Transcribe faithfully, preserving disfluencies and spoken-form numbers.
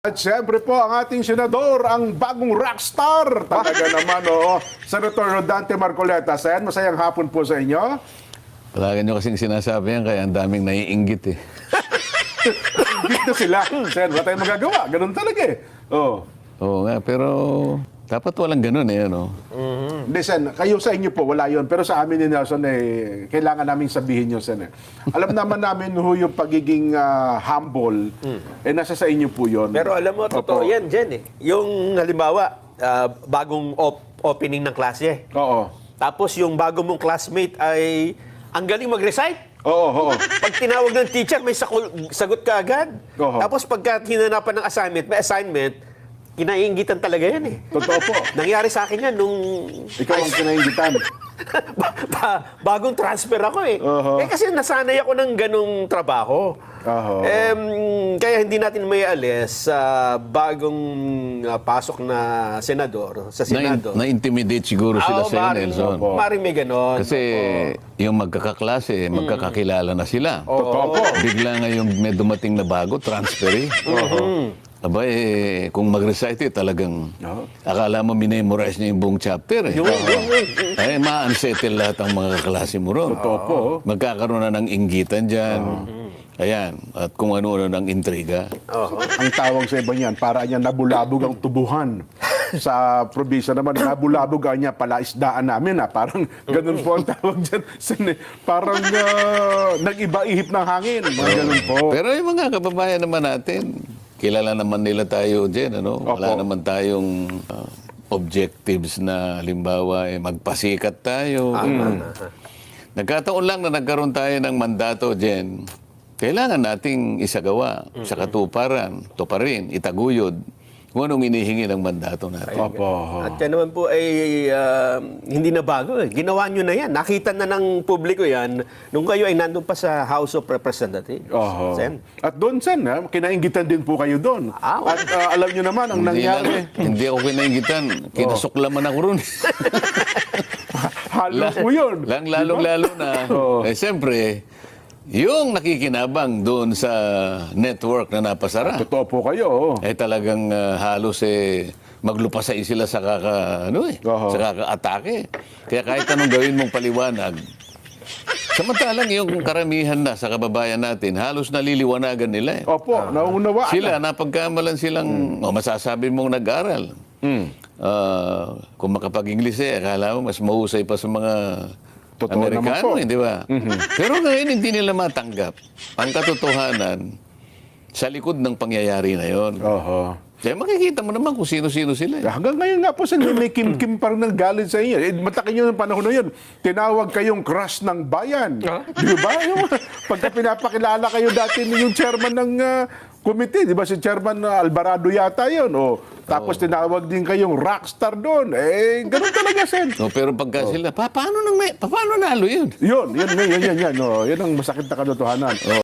At siyempre po, ang ating senador, ang bagong rockstar. Talaga naman, oo. Senator Rodante Marcoleta. Sen, masayang hapon po sa inyo. Palagi nyo kasing sinasabi yan, kaya ang daming naiinggit eh. Ingit na sila. Sen, wala tayong magagawa. Ganun talaga eh. Oo. Oo nga, pero dapat walang ganun eh, ano? Hindi, Sen, kayo sa inyo po, wala yun. Pero sa amin ni Nelson, eh, kailangan namin sabihin yun, Sen. Eh. Alam naman namin ho yung pagiging ah, humble, eh, nasa sa inyo po yun. Pero alam mo, totoo Opo. yan, Jen. Eh. Yung halimbawa, ah, bagong op- opening ng klase. Oo. Tapos yung bago mong classmate ay ang galing mag-recite. Oo, oo. Pag tinawag ng teacher, may sakul- sagot ka agad. Oo. Tapos pagka hinanapan ng assignment, may assignment, kinainggitan talaga yan eh. Totoo po. Nangyari sa akin yan nung Ikaw ang kinaingitan. ba- ba- bagong transfer ako eh. Oo. Eh kasi nasanay ako ng ganong trabaho. Oo. Em, kaya hindi natin may alis sa bagong ah, pasok na senador, sa Na, Senado. na-intimidate siguro sila Oo, sa iyo, maaaring- Nelson. Opo. maaaring may ganon. Kasi yung magkakaklase, magkakakilala na sila. Totoo po. Bigla nga yung may dumating na bago, transfer eh. Aba eh, kung mag-recite eh, talagang Oo. akala mo minemorize niya yung buong chapter eh. Yun, yun, yun. Ay, ma-unsettle lahat ang mga kaklase mo ron. Totoo po. Magkakaroon na ng inggitan dyan. Ayan, at kung ano-ano ng intriga. Oo. Ang tawag sa iba niyan, para niya nabulabog ang tubuhan. Sa probinsya naman, nabulabog ang niya palaisdaan namin. Ha? Parang ganun po ang tawag dyan. Sin- Parang uh, nag-iba-ihip ng hangin. Mga ganun po. Pero yung mga kababayan naman natin, kilala naman nila tayo dyan, ano? Wala Opo. naman tayong uh, objectives na, halimbawa, eh, magpasikat tayo. Mm. Nagkataon lang na nagkaroon tayo ng mandato dyan. Kailangan nating isagawa sa katuparan, tuparin, itaguyod, kung anong inihingi ng mandato natin. Opo. At yan naman po ay ah, hindi na bago eh. Ginawa nyo na yan. Nakita na ng publiko yan nung kayo ay nandun pa sa House of Representatives. Oho. Sen. At doon, Sen, ha, kinaingitan din po kayo doon. Ah, oo. At uh, alam nyo naman, ang Hindi, nangyari, na, hindi ako kinaingitan. Kinasuklaman ako ron. halo po yun. Lang lalong-lalo na. Oo. Eh, siyempre, yung nakikinabang doon sa network na napasara, Totoo po kayo. oh. eh talagang ah, halos eh, maglupasay sila sa kaka, ano eh, Oo. sa kaka-atake. Kaya kahit anong gawin mong paliwanag, samantalang yung karamihan na sa kababayan natin, halos naliliwanagan nila eh. Opo, nauunawaan. Sila, napagkamalan silang, o masasabi mong nag-aral. Ah, kung makapag-Ingles eh, akala mo mas mahusay pa sa mga Totoo naman po. Amerikano, hindi ba? Pero ngayon hindi nila matanggap ang katotohanan sa likod ng pangyayari na yon. Oho. Kaya makikita mo naman kung sino-sino sila. Eh. Hanggang ngayon nga po, Sen, may kim-kim pa rin ng galit sa inyo. Eh, matakin nyo ng panahon na yun. Tinawag kayong crush ng bayan. Di ba? Yung, pagka pinapakilala kayo dati ni yung chairman ng ah, committee, di ba si Chairman ah, Alvarado yata yun. O, tapos tinawag din kayong rockstar doon. Eh, ganun talaga, Sen. No, pero pagka sila, pa, paano, nang may, pa, paano nalo yun? Yun, yun, yun, yun, yun, yun. Oh, yun ang masakit na katotohanan.